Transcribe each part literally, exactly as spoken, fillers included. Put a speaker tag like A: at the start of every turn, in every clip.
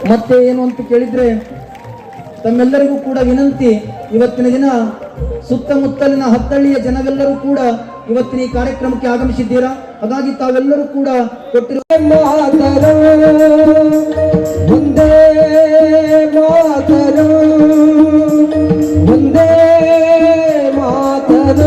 A: ಮತ್ತೆ ಏನು ಅಂತ ಕೇಳಿದ್ರೆ ತಮ್ಮೆಲ್ಲರಿಗೂ ಕೂಡ ವಿನಂತಿ, ಇವತ್ತಿನ ದಿನ ಸುತ್ತಮುತ್ತಲಿನ ಹತ್ತಳ್ಳಿಯ ಜನವೆಲ್ಲರೂ ಕೂಡ ಇವತ್ತಿನ ಈ ಕಾರ್ಯಕ್ರಮಕ್ಕೆ ಆಗಮಿಸಿದ್ದೀರಾ. ಹಾಗಾಗಿ ತಾವೆಲ್ಲರೂ ಕೂಡ ಕೊಟ್ಟಿರುವ ಮುಂದೆ ಮಾತರು ಮುಂದೆ ಮಾತರು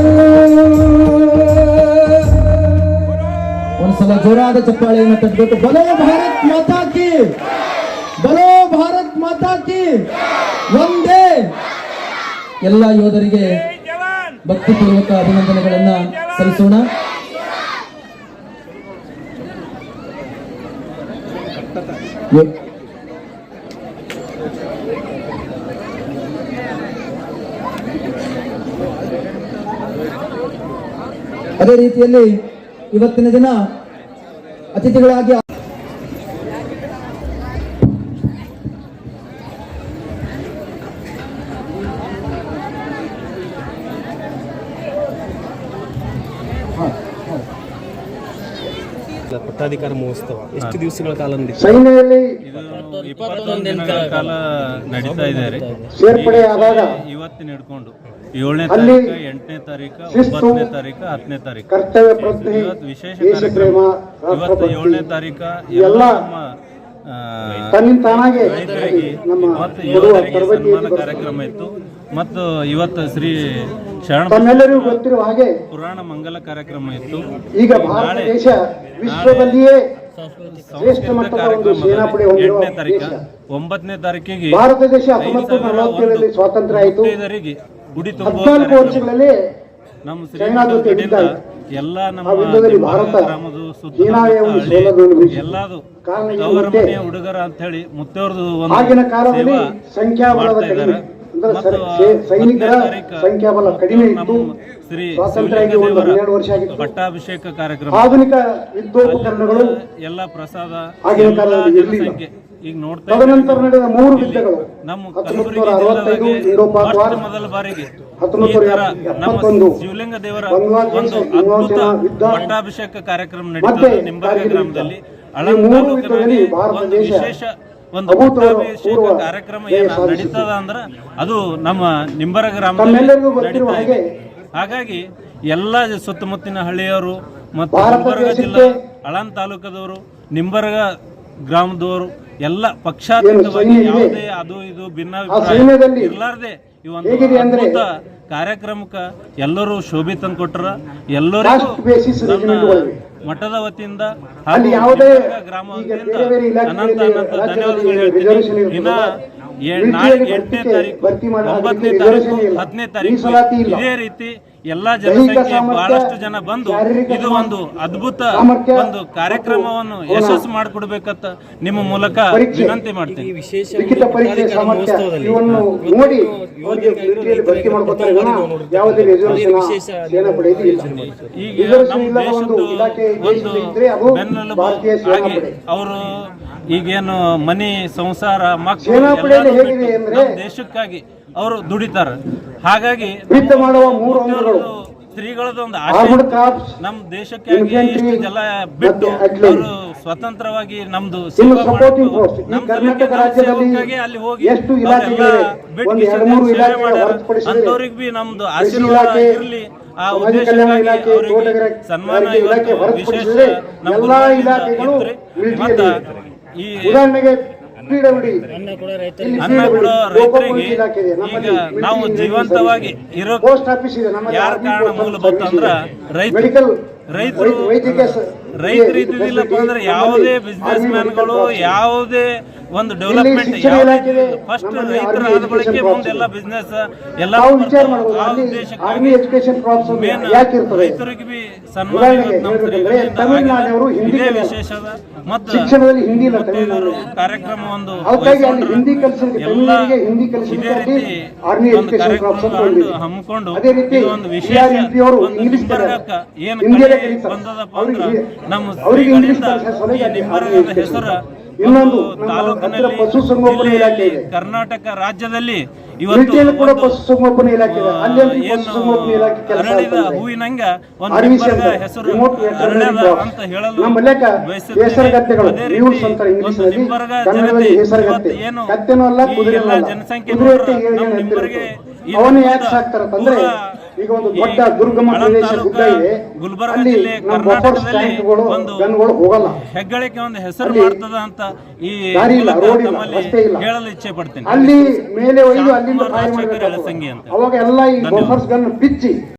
A: ಒಂದ್ಸಲ ಜೋರಾದ ಚಪ್ಪಾಳೆಯನ್ನು ತಟ್ಟಬೇಕು. ಬಲೋ ಭಾರತ್ ಮಾತಾ ಕಿ, ಬಲೋ ಭಾರತ್ ಮಾತಾ ಕಿ, ಒಂದೇ. ಎಲ್ಲ ಯೋಧರಿಗೆ ಭಕ್ತಿಪೂರ್ವಕ ಅಭಿನಂದನೆಗಳನ್ನ ಸಲ್ಲಿಸೋಣ. ಅದೇ ರೀತಿಯಲ್ಲಿ ಇವತ್ತಿನ ದಿನ ಅತಿಥಿಗಳಾಗಿ
B: ಪಟ್ಟಾಧಿಕಾರ ಮಹೋತ್ಸವ ಎಷ್ಟು ದಿವಸಗಳ ಕಾಲ
C: ಸೈನ್ಯದಲ್ಲಿ
D: ಇಪ್ಪತ್ತೊಂದು ದಿನಗಳ ಕಾಲ ನಡೀತಾ ಇದೆ.
C: ಸೇರ್ಪಡೆ ಆದಾಗ
D: ಇವತ್ತಿನ ಹಿಡ್ಕೊಂಡು ಏಳನೇ ತಾರೀಕು, ಎಂಟನೇ ತಾರೀಕು, ಒಂಬತ್ತನೇ ತಾರೀಕು, ಹತ್ತನೇ ತಾರೀಕು
C: ಕರ್ತವ್ಯ ಪ್ರಜ್ಞೆ,
D: ಇವತ್ತು ವಿಶೇಷ ಕಾರ್ಯಕ್ರಮ. ಇವತ್ತು ಏಳನೇ ತಾರೀಕ ಎಲ್ಲ ನಮ್ಮ
C: ತನ್ನಿಂದ ತಾನಾಗೆ
D: ಮತ್ತು ಯೋಧರಿಗೆ ಸನ್ಮಾನ ಕಾರ್ಯಕ್ರಮ ಇತ್ತು. ಮತ್ತು ಇವತ್ತು ಶ್ರೀ ಶರಣ
C: ತಮ್ಮೆಲ್ಲರಿಗೂ ಗೊತ್ತಿರುವ ಹಾಗೆ
D: ಪುರಾಣ ಮಂಗಲ ಕಾರ್ಯಕ್ರಮ ಇತ್ತು.
C: ಈಗ ಭಾರತ ದೇಶ ವಿಶ್ವದಲ್ಲಿಯೇ ಶ್ರೇಷ್ಠ ಮಟ್ಟದ ಒಂದು ಸೇನಾಪಡೆ ಹೊಂದಿರುವ
D: ಎಂಟನೇ ತಾರೀಕು,
C: ದೇಶ.
D: ಒಂಬತ್ತನೇ ತಾರೀಕಿಗೆ
C: ಭಾರತ ದೇಶ ಹತ್ತೊಂಬತ್ತು ನಲವತ್ತೇಳರಲ್ಲಿ ಸ್ವಾತಂತ್ರ್ಯ ಆಯಿತು.
D: ಗುಡಿ
C: ಹದಿನಾಲ್ಕು ವರ್ಷಗಳಲ್ಲಿ
D: ನಮ್ಮ
C: ಚೈನಾ ಜೊತೆ ಯುದ್ಧ ಆಯಿತು.
D: ಎಲ್ಲ ನಮ್ಮ
C: ಆ ಯುದ್ಧದಲ್ಲಿ ಭಾರತ
D: ಗ್ರಾಮದ
C: ಚೀನಾವೇ ಒಂದು ಸೋಲನ್ನು ಅನುಭವಿಸಿತು.
D: ಎಲ್ಲದು
C: ಕಾರಣ ಏನು
D: ಅವರ
C: ಗೊತ್ತೇ?
D: ಮನೆಯ ಹುಡುಗರ ಅಂತ ಹೇಳಿ ಮುತ್ತವ್ರದ್ದು ಒಂದು
C: ಆಗಿನ ಕಾಲದಲ್ಲಿ
D: ಸೇವಾ
C: ಸಂಖ್ಯಾಬಲದ
D: ಮಾಡ್ತಾ
C: ಕಡಿಮೆ
D: ಇದ್ದಾರೆ.
C: ಅಂದ್ರೆ
D: ಮತ್ತು
C: ಸೈ- ಸೈನಿಕರ
D: ಹತ್ತನೇ ತಾರೀಕು
C: ಸಂಖ್ಯಾಬಲ ಕಡಿಮೆ ಇತ್ತು.
D: ನಮ್ಮ ಶ್ರೀ
C: ಸ್ವಾತಂತ್ರ್ಯ ಆಗಿ ಒಂದು ಹನ್ನೆರಡು ವರ್ಷ ಆಗಿತ್ತು.
D: ಪಟ್ಟಾಭಿಷೇಕ ಕಾರ್ಯಕ್ರಮ,
C: ಆಧುನಿಕ ಯುದ್ಧೋಪಕರಣಗಳು
D: ಎಲ್ಲ ಪ್ರಸಾದ,
C: ಆಗಿನ
D: ಎಲ್ಲ
C: ಕಾಲದಲ್ಲಿ ಇರಲಿಲ್ಲ.
D: ಜನಸಂಖ್ಯೆ ಈಗ ನೋಡ್ತಾ
C: ತದನಂತರ ನಡೆದ ಮೂರು ಯುದ್ಧಗಳು
D: ನಮ್ಮ
C: ಹತ್ತೊಂಬತ್ತು
D: ಕಲಬುರಗಿ
C: ನೂರ ಅರವತ್ತೈದು
D: ಜಿಲ್ಲೆದಾಗೆ
C: ಯುರೋಪಾಕ್ ವಾರ್,
D: ಮೊಟ್ಟ ಮೊದಲ ಬಾರಿಗೆ
C: ಹತ್ತೊಂಬತ್ತು
D: ಈ ತರ
C: ನೂರ
D: ನಮ್ಮ
C: ಎಪ್ಪತ್ತೊಂದು
D: ಶಿವಲಿಂಗ ದೇವರ
C: ಬಾಂಗ್ಲಾದೇಶ
D: ಒಂದು
C: ವಿಮೋಚನಾ
D: ಅದ್ಭುತ
C: ಯುದ್ಧ,
D: ಪಟ್ಟಾಭಿಷೇಕ ಕಾರ್ಯಕ್ರಮ
C: ಮತ್ತೆ
D: ನಡೀತದೆ ನಿಂಬಾರ್ಗ
C: ಕಾರ್ಗಿಲ್
D: ಗ್ರಾಮದಲ್ಲಿ.
C: ಯುದ್ಧ.
D: ಅಳಂದ
C: ಈ ಮೂರು
D: ತಾಲೂಕಿನಲ್ಲಿ
C: ಯುದ್ಧದಲ್ಲಿ ಭಾರತ
D: ಒಂದು
C: ದೇಶ
D: ವಿಶೇಷ ಒಂದು
C: ಅಭೂತಪೂರ್ವ
D: ಪಟ್ಟಾಭಿಷೇಕ ಕಾರ್ಯಕ್ರಮ ಏನ
C: ಸಾಧಿಸಿತು.
D: ನಡೀತದ ಅಂದ್ರ ಅದು ನಮ್ಮ ನಿಂಬಾರ್ಗ
C: ತಮ್ಮೆಲ್ಲರಿಗೂ
D: ಗ್ರಾಮದಲ್ಲಿ
C: ಗೊತ್ತಿರುವ
D: ನಡೀತಾ ಇದೆ.
C: ಹಾಗೆ
D: ಹಾಗಾಗಿ ಎಲ್ಲ ಸುತ್ತಮುತ್ತಿನ ಹಳ್ಳಿಯವರು ಮತ್ತು
C: ಭಾರತ
D: ನಿಂಬರ್ಗ
C: ದೇಶಕ್ಕೆ
D: ಜಿಲ್ಲಾ ಅಳಂದ ತಾಲೂಕದವರು, ನಿಂಬರ್ಗ ಗ್ರಾಮದವರು ಎಲ್ಲ ಪಕ್ಷಾತೀತವಾಗಿ
C: ಏನು ಸೈನ್ಯ ಇದೆ,
D: ಯಾವುದೇ ಅದು ಇದು ಭಿನ್ನಾಭಿಪ್ರಾಯ
C: ಸೈನ್ಯದಲ್ಲಿ
D: ಇರ್ಲಾರ್ದೆ ಈ ಒಂದು
C: ಹೇಗಿದೆ ಅಂದ್ರೆ
D: ಅದ್ಭುತ ಕಾರ್ಯಕ್ರಮಕ್ಕೆ ಎಲ್ಲರೂ ಶೋಭೆ ತಂದು ಕೊಟ್ಟರ. ಎಲ್ಲರಿಗೂ
C: ಕಾಸ್ಟ್ ಬೇಸಿಸ್
D: ನನ್ನ
C: ರೆಜಿಮೆಂಟ್ಗಳಿವೆ.
D: ಮಠದ ವತಿಯಿಂದ
C: ಅಲ್ಲಿ
D: ಹಾಗೂ
C: ಯಾವುದೇ
D: ನಿಂಬರ್ಗ ಗ್ರಾಮ
C: ಈಗ
D: ವತಿಯಿಂದ
C: ಬೇರೆ ಬೇರೆ
D: ಅನಂತ
C: ಇಲಾಖೆಗಳಲ್ಲಿ
D: ಅನಂತ
C: ರಾಜ್ಯದಲ್ಲಿ
D: ಧನ್ಯವಾದಗಳು
C: ರಿಸರ್ವೇಶನ್
D: ಹೇಳ್ತೀನಿ. ಇನ್ನ
C: ಇರ್ತದೆ.
D: ಏ-
C: ಮಿಲಿಟರಿಯಲ್ಲಿ
D: ನಾಳೆ ಎಂಟನೇ
C: ಭರ್ತಿ
D: ತಾರೀಕು,
C: ಭರ್ತಿ ಮಾಡಿ
D: ಒಂಬತ್ತನೇ
C: ಅದಕ್ಕೆ
D: ತಾರೀಕು,
C: ರಿಸರ್ವೇಶನ್ ಇಲ್ಲ.
D: ಹತ್ತನೇ ತಾರೀಕು
C: ಮೀಸಲಾತಿ ಇಲ್ಲ.
D: ಇದೇ ರೀತಿ ಎಲ್ಲಾ
C: ದೈಹಿಕ
D: ಜನಸಂಖ್ಯೆ
C: ಸಾಮರ್ಥ್ಯ,
D: ಬಹಳಷ್ಟು ಜನ ಬಂದು
C: ಶಾರೀರಿಕ
D: ಇದು ಒಂದು ಅದ್ಭುತ
C: ಸಾಮರ್ಥ್ಯ
D: ಒಂದು ಕಾರ್ಯಕ್ರಮವನ್ನು
C: ಮತ್ತು
D: ಯಶಸ್ಸು ಮಾಡಿಕೊಡ್ಬೇಕಂತ ನಿಮ್ಮ ಮೂಲಕ
C: ಪರೀಕ್ಷೆ,
D: ವಿನಂತಿ ಮಾಡ್ತೀನಿ.
B: ವಿಶೇಷ
C: ಲಿಖಿತ ಪರೀಕ್ಷೆ ಸಾಮರ್ಥ್ಯ ಇವನ್ನು ನೋಡಿ ಅವರಿಗೆ ಮಿಲಿಟರಿಯಲ್ಲಿ ಭರ್ತಿ ಮಾಡ್ಕೊತಾರೆ ವಿನಃ ಯಾವುದೇ ರಿಸರ್ವೇಶನ್ ಸೇನಾಪಡೆ ಇಲ್ಲ.
D: ಈಗ
C: ರಿಸರ್ವೇಶನ್
D: ನಮ್ಮ
C: ಇಲ್ಲದ ಒಂದು
D: ದೇಶದ್ದು
C: ಇಲಾಖೆ
D: ಒಂದು
C: ಇದ್ರೆ ಅದು
D: ಬೆನ್ನೆಲುಬು
C: ಭಾರತೀಯ
D: ಆಗಿ
C: ಸೇನಾಪಡೆ.
D: ಅವರು ಈಗೇನು ಮನೆ ಸಂಸಾರ ಮಕ್ಕಳು
C: ಸೇನಾಪಡೆಯಲ್ಲಿ
D: ಎಲ್ಲಾನು
C: ಹೇಗಿದೆ
D: ಬಿಟ್ಟು
C: ಅಂದ್ರೆ
D: ನಮ್ಮ ದೇಶಕ್ಕಾಗಿ ಅವರು ದುಡಿತಾರೆ. ಹಾಗಾಗಿ
C: ಯುದ್ಧ ಮಾಡುವ ಮೂರು ಅಂಗಗಳು
D: ಸ್ತ್ರೀಗಳದ್ದು ಒಂದು
C: ಆರ್ಮಡ್
D: ಆಶೆ
C: ಕಾರ್ಪ್ಸ್,
D: ನಮ್ಮ ದೇಶಕ್ಕಾಗಿ
C: ಇನ್ಫೆಂಟ್ರಿ
D: ಇಷ್ಟು ಜಲ ಬಿಟ್ಟು
C: ಮತ್ತೆ artillery.
D: ಅವರು ಸ್ವತಂತ್ರವಾಗಿ ನಮ್ದು
C: ಇನ್ನು
D: ಸೇವೆ
C: ಸಪೋರ್ಟಿಂಗ್
D: ಮಾಡ್ಬೇಕು.
C: ಫೋರ್ಸ್. ಈ
D: ನಮ್ಮ
C: ಕರ್ನಾಟಕ
D: ಸೇವೆಗೆ, ನಮ್ಮ
C: ರಾಜ್ಯದಲ್ಲಿ
D: ಸೇವಕ್ಕಾಗಿ ಅಲ್ಲಿ ಹೋಗಿ
C: ಎಷ್ಟು
D: ಅವರೆಲ್ಲ
C: ಇಲಾಖೆಗಳಿವೆ?
D: ಬಿಟ್ಟು
C: ಒಂದು ಎರಡು
D: ಕಿಶನ್
C: ಮೂರು
D: ಸೇವೆ
C: ಇಲಾಖೆಗಳ
D: ಮಾಡ್ಯಾರ.
C: ಹೊರತುಪಡಿಸಿದರೆ
D: ಅಂಥವ್ರಿಗೆ ಬಿ ನಮ್ದು
C: ಕೃಷಿ
D: ಆಶೀರ್ವಾದ
C: ಇಲಾಖೆ,
D: ಇರಲಿ. ಆ
C: ಸಮಾಜ ಕಲ್ಯಾಣ
D: ಉದ್ದೇಶಕ್ಕಾಗಿ
C: ಇಲಾಖೆ,
D: ಅವರಿಗೆ
C: ತೋಟಗಾರಿಕೆ
D: ಸನ್ಮಾನ
C: ಇಲಾಖೆ
D: ಇವತ್ತು
C: ಹೊರತುಪಡಿಸಿದರೆ
D: ವಿಶೇಷ ನಮ್ಮ
C: ಎಲ್ಲಾ
D: ಗುರುಗಳಿಂದ
C: ಇಲಾಖೆಗಳು
D: ಇದ್ರಿ.
C: ಮಿಲಿಟರಿಯಲ್ಲಿ
D: ಮತ್ತು ಈ
C: ಉದಾಹರಣೆಗೆ ಪಿಡಬ್ಲ್ಯೂಡಿ
B: ಅನ್ನ ಕೂಡ ರೈತರಿಗೆ
C: ಇಲ್ಲಿ
D: ಅನ್ನ
C: ಪಿಡಬ್ಲ್ಯೂಡಿ,
D: ಕೊಡೋ
C: ಲೋಕೋಪಯೋಗಿ
D: ರೈತರಿಗೆ
C: ಇಲಾಖೆ ಇದೆ. ನಮ್ಮಲ್ಲಿ
D: ಈಗ
C: ಮಿಲಿಟರಿ
D: ನಾವು
C: ಇಂಜಿನಿಯರಿಂಗ್
D: ಜೀವಂತವಾಗಿ
C: ಸರ್ವಿಸ್
D: ಇರೋ
C: ಇದೆ. ಪೋಸ್ಟ್ ಆಫೀಸ್ ಇದೆ. ನಮ್ಮಲ್ಲಿ
D: ಯಾರ
C: ಆರ್ಮಿ
D: ಕಾರಣ
C: ಪೋಸ್ಟ್
D: ಮೂಲ
C: ಸರ್ವಿಸ್
D: ಬಂತಂದ್ರ
C: ಇದೆ.
D: ರೈತರು
C: ಮೆಡಿಕಲ್
D: ರೈತರು
C: ವೈದ್ಯಕೀಯ
D: ರೈತರು ಇದ್ದಿದ್ದಿಲ್ಲಪ್ಪ ಅಂದ್ರೆ ಯಾವುದೇ ಬಿಸ್ನೆಸ್ ಮ್ಯಾನ್ಗಳು ಯಾವುದೇ ಒಂದು ಡೆವಲಪ್ಮೆಂಟ್ ಫಸ್ಟ್ ರೈತರ ಆದ ಬಳಿಕ ಮುಂದೆಲ್ಲ ಬಿಸ್ನೆಸ್ ಎಲ್ಲ
C: ನಾವು ವಿಚಾರ ಮಾಡಬಹುದು. ಅಲ್ಲಿ ಆರ್ಮಿ ಎಜುಕೇಶನ್ ಕ್ರಾಪ್ಸ್ ಯಾಕೆ ಇರ್ತದೆ?
D: ರೈತರಿಗೆ ಬಿ ಸನ್ಮಾನ
C: ಉದಾಹರಣೆಗೆ
D: ಇವತ್ತು ನಮ್ಮ
C: ಹೇಳ್ಬೇಕಂದ್ರೆ
D: ಶ್ರೀಗಳಿಂದ
C: ತಮಿಳುನಾಡಿನವರು
D: ಆಗಿದೆ.
C: ಹಿಂದಿ
D: ಇದೇ
C: ಕಲಿಯಲ್ಲ.
D: ವಿಶೇಷದ ಮತ್ತು
C: ಶಿಕ್ಷಣದಲ್ಲಿ ಹಿಂದಿ ಇಲ್ಲ
D: ಮುತ್ತೈದೆಯರು
C: ತಮಿಳುನಾಡು.
D: ಕಾರ್ಯಕ್ರಮ ಒಂದು
C: ಅದಕ್ಕಾಗಿ ಅಲ್ಲಿ
D: ವಹಿಸ್ಕೊಂಡ್ರು.
C: ಹಿಂದಿ ಕಲಿಸಲಿಕ್ಕೆ
D: ಎಲ್ಲ
C: ತಮಿಳರಿಗೆ ಹಿಂದಿ
D: ಇದೇ
C: ಕಲಿಸಲಿಕ್ಕೆ
D: ರೀತಿ
C: ಆರ್ಮಿ
D: ಒಂದು
C: ಎಜುಕೇಶನ್ ಕ್ರಾಪ್ಸ್ ಅಂತ
D: ಕಾರ್ಯಕ್ರಮ
C: ಹೊಂದಿದೆ.
D: ಹಮ್ಮಿಕೊಂಡು
C: ಅದೇ ರೀತಿ
D: ಇದು ಒಂದು ವಿಶೇಷ
C: ಸಿ ಆರ್ ಎಂ ಪಿ ಅವರು
D: ಒಂದು
C: ಇಂಗ್ಲಿಷ್
D: ನಿಂಬರ್ಗಕ್ಕ ಏನು
C: ಹಿಂದಿಯಲ್ಲೇ
D: ಕಲೆ
C: ಕಲಿತಾರೆ.
D: ಬಂದದಪ್ಪ
C: ಅವ್ರಿಗೆ
D: ಅಂದ್ರೆ ನಮ್ಮ
C: ಅವರಿಗೆ ಇಂಗ್ಲಿಷ್
D: ಶ್ರೀಗಳಿಂದ
C: ಕಲಿಸೋ ಸಲುವಾಗಿ
D: ಈ
C: ಅಲ್ಲಿ
D: ನಿಂಬರ್ಗದ
C: ಆರ್ಮಿ
D: ಹೆಸರು
C: ಇನ್ನೊಂದು
D: ಒಂದು
C: ನಮ್ಮ
D: ತಾಲೂಕಿನಲ್ಲಿ
C: ಹತ್ತಿರ ಪಶುಸಂಗೋಪನಾ ಇಲಾಖೆ
D: ಜಿಲ್ಲೆಯಲ್ಲಿ
C: ಇದೆ.
D: ಕರ್ನಾಟಕ ರಾಜ್ಯದಲ್ಲಿ ಇವತ್ತು
C: ಮಿಲಿಟರಿಯಲ್ಲಿ ಕೂಡ
D: ಒಂದು,
C: ಪಶುಸಂಗೋಪನಾ ಇಲಾಖೆ ಇದೆ, ಅಲ್ಲಿ ಒಂದು
D: ಏನು
C: ಪಶುಸಂಗೋಪನಾ ಇಲಾಖೆ ಕೆಲಸ
D: ಅರಳಿದ
C: ಆಗ್ತದೆ.
D: ಹೂವಿನಂಗ ಒಂದು
C: ಆರ್ವಿಸಿ
D: ನಿಂಬರ್ಗ
C: ಅಂತ
D: ಹೆಸರು
C: ರಿಮೋಟ್ ವೆಟರ್ನರಿ
D: ಅರಳ್ಯದ
C: ಕ್ರಾಪ್ಸ್.
D: ಅಂತ ಹೇಳಲು
C: ನಮ್ಮ ಲೆಕ್ಕ
D: ಬಯಸುತ್ತೇನೆ.
C: ಹೇಸರಗತ್ತೆಗಳು
D: ಅದೇ
C: ಮ್ಯೂಲ್ಸ್
D: ರೀತಿ
C: ಅಂತಾರೆ ಇಂಗ್ಲಿಷ್
D: ಒಂದು
C: ನಲ್ಲಿ,
D: ನಿಂಬರ್ಗ
C: ಕನ್ನಡದಲ್ಲಿ
D: ಜನತೆ
C: ಹೇಸರಗತ್ತೆ.
D: ಇವತ್ತು ಏನು
C: ಕತ್ತೆನೂ ಅಲ್ಲ,
D: ಈ
C: ಕುದುರೆನೂ
D: ಎಲ್ಲ
C: ಅಲ್ಲ.
D: ಜನಸಂಖ್ಯೆ
C: ಕುದುರೆ
D: ನೋಡ್ರೆ
C: ಹೊಟ್ಟೆ ಏಳು
D: ನಮ್ಮ
C: ಜನ
D: ನಿಂಬರ್ಗೆ
C: ಎತ್ತಿರುತ್ತೆ.
D: ಇದು
C: ಅವನು
D: ಒಂದು
C: ಯಾಕೆ ಸಾಕ್ತಾರಂತಂದ್ರೆ
D: ಪೂರಾ
C: ಈಗ ಒಂದು
D: ಈ
C: ದೊಡ್ಡ ದುರ್ಗಮ
D: ಆಳಂದ
C: ಪ್ರದೇಶ
D: ತಾಲೂಕು,
C: ಗುಡ್ಡ ಇದೆ,
D: ಗುಲ್ಬರ್ಗ
C: ಅಲ್ಲಿ
D: ಜಿಲ್ಲೆ,
C: ನಮ್ಮ ಬಫರ್ಸ್
D: ಕರ್ನಾಟಕದಲ್ಲಿ
C: ಟ್ಯಾಂಕ್ಗಳು
D: ಒಂದು
C: ಗನ್ಗಳು ಹೋಗಲ್ಲ.
D: ಹೆಗ್ಗಳಿಕೆ ಒಂದು ಹೆಸರು
C: ಅಲ್ಲಿ
D: ಮಾಡ್ತದ ಅಂತ ಈ
C: ದಾರಿ ಇಲ್ಲ,
D: ಮೂಲಕ
C: ರೋಡ್ ಇಲ್ಲ,
D: ತಮ್ಮಲ್ಲಿ
C: ರಸ್ತೆ ಇಲ್ಲ.
D: ಹೇಳಲು ಇಚ್ಛೆ ಪಡ್ತೇನೆ.
C: ಅಲ್ಲಿ ಮೇಲೆ ಒಯ್ದು ಅಲ್ಲಿಂದ
D: ಶಾಂತಕುಮಾರ್
C: ಫೈರ್
D: ರಾಜಶೇಖರ್
C: ಮಾಡಬೇಕಾಗ್ತದೆ.
D: ಎಳಸಂಗಿ ಅಂತ.
C: ಅವಾಗ ಎಲ್ಲ ಈ
D: ಧನ್ಯವಾದ.
C: ಬಫರ್ಸ್ ಗನ್ ಬಿಚ್ಚಿ